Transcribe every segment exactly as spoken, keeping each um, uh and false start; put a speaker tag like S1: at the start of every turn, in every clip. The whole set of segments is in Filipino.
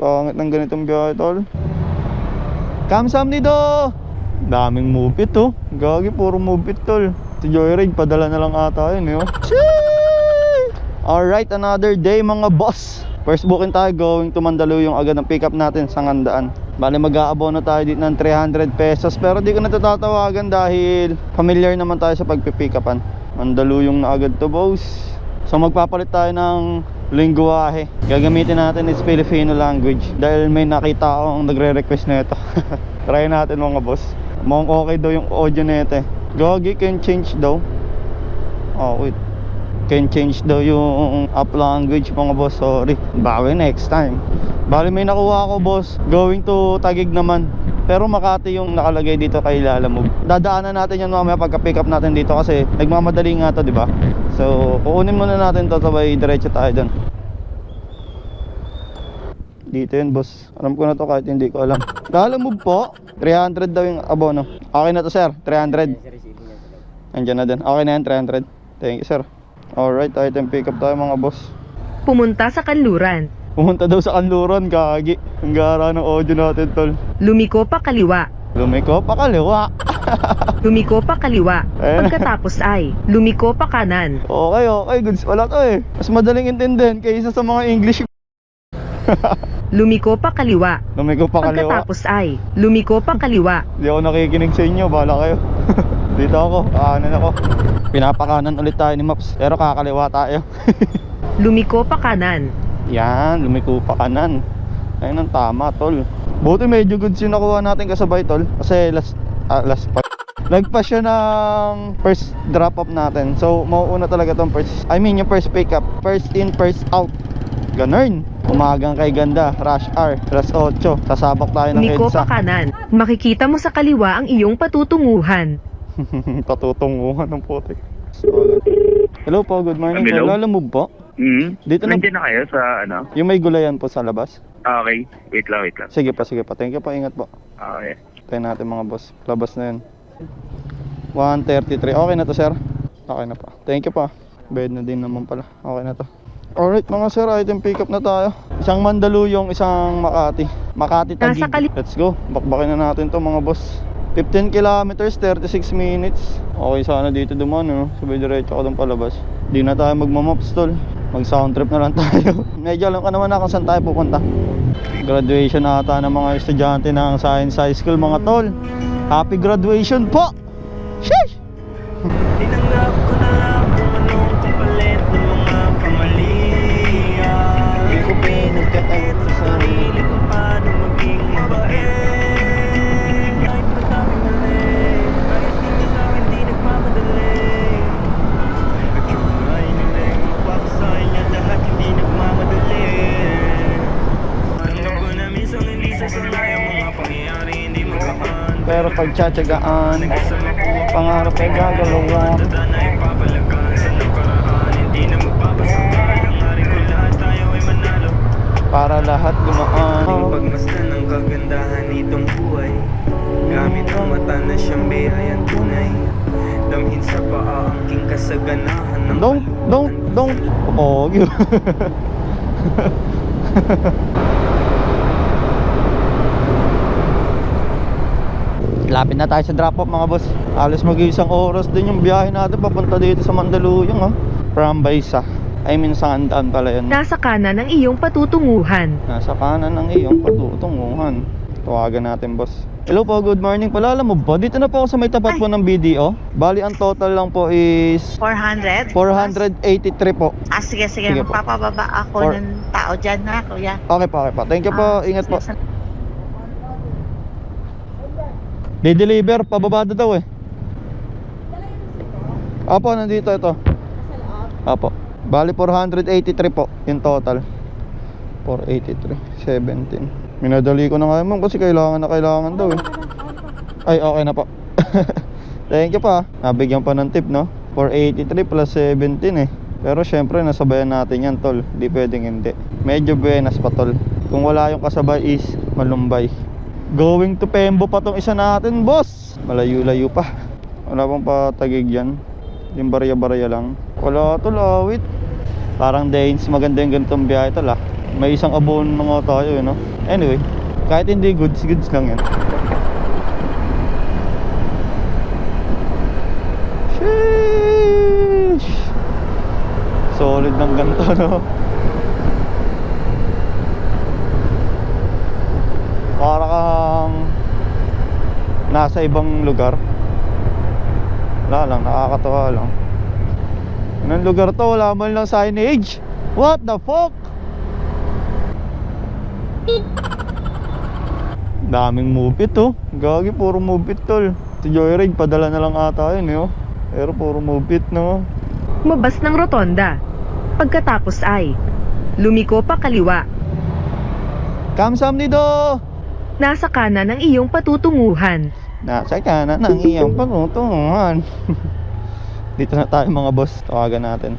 S1: Pangit ng ganitong biyahe tol. Kamsamnido! Daming move it oh. Gagi, puro move it tol. Si Joyride, padala na lang ata yun eh oh. Alright, another day mga boss. First booking tayo, going to Mandaluyong agad ang pick up natin sa Ngandaan. Bale mag-aabono tayo dito ng three hundred pesos. Pero di ko na tatawagan dahil familiar naman tayo sa pagpipick upan. Mandaluyong na agad to boss. So magpapalit tayo ng lingwahe. Gagamitin natin is Filipino language dahil may nakita akong nagre-request na ito. Try natin mga boss. Mukhang okay daw yung audio na ito eh. Gogi, can change daw. Oh wait, can change daw yung app language mga boss. Sorry, bawi next time. Bali may nakuha ako boss, going to Taguig naman. Pero Makati yung nakalagay dito kay Lalamove. Dadaanan natin yan mamaya pagka pick up natin dito kasi nagmamadali nga to, di ba? So kukunin muna natin to, sabay diretso tayo dun. Dito yun boss, alam ko na to kahit hindi ko alam. Lalamove po, three hundred daw yung abono. Okay na to sir, three hundred. Andiyan na din, okay na yan, three hundred. Thank you sir. Alright, item pick up tayo mga boss.
S2: Pumunta sa kanluran.
S1: Pumunta daw sa kanluran, kagi. Ang gara ng audio natin tol.
S2: Lumiko pa kaliwa.
S1: Lumiko pa kaliwa.
S2: Lumiko pa kaliwa.
S1: Ayun.
S2: Pagkatapos ay lumiko pa kanan.
S1: Okay, okay, goods pala to eh. Mas madaling intindihin kaysa sa mga English.
S2: Lumiko pa kaliwa.
S1: Lumiko pa kaliwa.
S2: Pagkatapos ay lumiko pa kaliwa.
S1: Di ako nakikinig sa inyo, bahala kayo. Dito ako, kanan ako. Pinapakanan ulit tayo ni Maps, pero kakaliwa tayo.
S2: Lumiko pa kanan.
S1: Yan, lumiko pa kanan. Ayun ang tama tol. Buti medyo goods yung nakuha natin kasabay tol. Kasi last, ah, last pa Nagpa siya ng first drop off natin. So mauuna talaga tong first, I mean yung first pick up. First in, first out. Ganun. Umagang kay ganda, rush hour, alas otso. Sasabak tayo ng
S2: Lumiko
S1: EDSA.
S2: pa kanan. Makikita mo sa kaliwa ang iyong patutunguhan.
S1: Patutunguhan ng putik. Hello po, good morning.
S3: Hello.
S1: Lalamove po.
S3: Hmm?
S1: Dito na-
S3: Nandiyan na kayo sa ano?
S1: Yung may gulayan po sa labas.
S3: Okay, wait lang, wait lang.
S1: Sige pa, sige pa. Thank you po, ingat po.
S3: Okay.
S1: Tayo natin mga boss. Labas na yun. one thirty-three. Okay na to sir? Okay na po. Thank you po. Bed na din naman pala. Okay na to. Alright mga sir, item pick up na tayo. Isang Mandaluyong, isang Makati. Makati Taguig.
S2: Nasa kali-
S1: Let's go. Bakbakin na natin to mga boss. fifteen kilometers, thirty-six minutes. Okay sana dito duman, no? Sabay diretso ako doon palabas. Di na tayo magmamaps tol. Mag sound trip na lang tayo. Medyo alam ka naman na kung saan tayo pupunta. Graduation ata ng mga estudyante ng Science High School mga tol. Happy graduation po! Sheesh!
S4: Tinanggap ko na lang kung anong kapalit ng mga kamalian. Hindi ko pinagkait sa sarili kung paano maging mabait. Kahit madaming mali, ayos nila sa akin di nagmamadali. Nagtry nila yung mapapasay niya lahat hindi nagmamadali. Alam ko na minsan hindi sasanay ang mga pangyayari hindi magaan.
S1: Pero pagtsatsagaan, pangarap ay gagalawan.
S4: Tanda na ipapalagan sa nakaraan. Hindi na magpapasakal. Ang hari ko lahat tayo ay manalo.
S1: Para lahat gumaan.
S4: Pagmasdan ng kagandahan nitong buhay. Gamit ang mata na siyang biyayang tunay. Damhin sa paa ang king kasaganahan ng
S1: Don't, don't, don't. Oh, yun. Lapit na tayo sa drop off mga boss. Alas mag-isang oras din yung biyahe natin papunta dito sa Mandaluyong ha. From Baysa, I mean sa Ngandaan pala yun.
S2: Nasa kanan ang iyong patutunguhan.
S1: Nasa kanan ng iyong patutunguhan. Tawagan natin boss. Hello po, good morning. Palala mo ba? Dito na po ako sa may tapat po ng B D O. Bali ang total lang po is
S5: four hundred?
S1: four eighty-three po.
S5: Ah, sige, sige.
S1: Sige po.
S5: Magpapababa ako
S1: Four-
S5: ng tao dyan na, kuya.
S1: Okay po, okay po. Thank you po,
S5: Ah,
S1: ingat po.
S5: sige, sal-
S1: Di-deliver, pababa na daw eh. Opo, nandito ito. Opo. Bali four eighty-three po yung total. four eighty-three, seventeen. Minadali ko na nga ma'am kasi kailangan na kailangan daw eh. Ay, okay na po. Thank you pa. Nabigyan pa ng tip, no? four eighty-three plus seventeen eh. Pero syempre nasabayan natin yan tol. Di pwedeng hindi. Medyo buenas pa tol. Kung wala yung kasabay is Malumbay. Going to Pembo pa tong isa natin boss. Malayo-layo pa. Wala pang patagig yan. Yung barya-barya lang. Wala tol, awit. Parang Danes, maganda yung ganitong biyahe tol ah. May isang abono na nga tayo eh, no? Anyway, kahit hindi goods, goods lang yan. Sheesh! Solid ng ganito, no? Para kang nasa ibang lugar. Wala lang, nakakatawa lang. Anong lugar to? Wala man lang signage. What the fuck? Daming mupit oh. Gagi, puro mupit tol. Si Joyride, padala na lang ata yun eh oh. Pero puro mupit no.
S2: Lumabas ng rotonda. Pagkatapos ay lumiko pa kaliwa.
S1: Kamsamnido!
S2: Nasa kanan ang iyong patutunguhan.
S1: Nasa kanan ng iyong patutunguhan. Dito na tayo mga boss. Tawagan natin.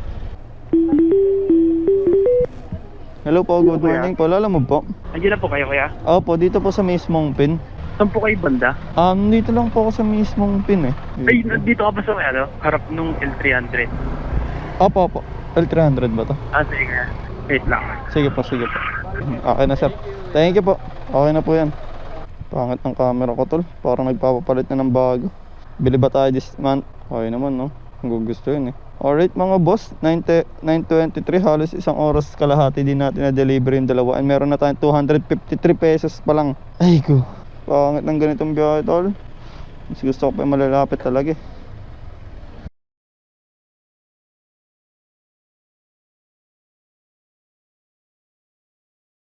S1: Hello po, good morning po. Lala mo po?
S3: Andiyan na po kayo, kuya?
S1: Opo, dito po sa mismong pin.
S3: Saan po kayo banda?
S1: Um, dito lang po ako sa mismong pin eh.
S3: Ay, dito ka ba sa may ano? Harap nung L three hundred.
S1: Opo, opo. L three hundred ba to?
S3: Ah, sige nga. Wait lang.
S1: Sige po, sige po. Okay na sir. Thank you po. Okay na po yan. Pangit ng camera ko tol. Parang nagpapapalit na ng bago. Bili ba tayo this month? Okay naman no. Kung gusto yun eh. Alright mga boss, nine twenty-three, halos isang oras kalahati din natin na deliver yung dalawa. And meron na tayong two hundred fifty-three pesos pa lang. Ay ko, pangit ng ganitong biyahe tol. Mas gusto ko pa yung malalapit talaga eh.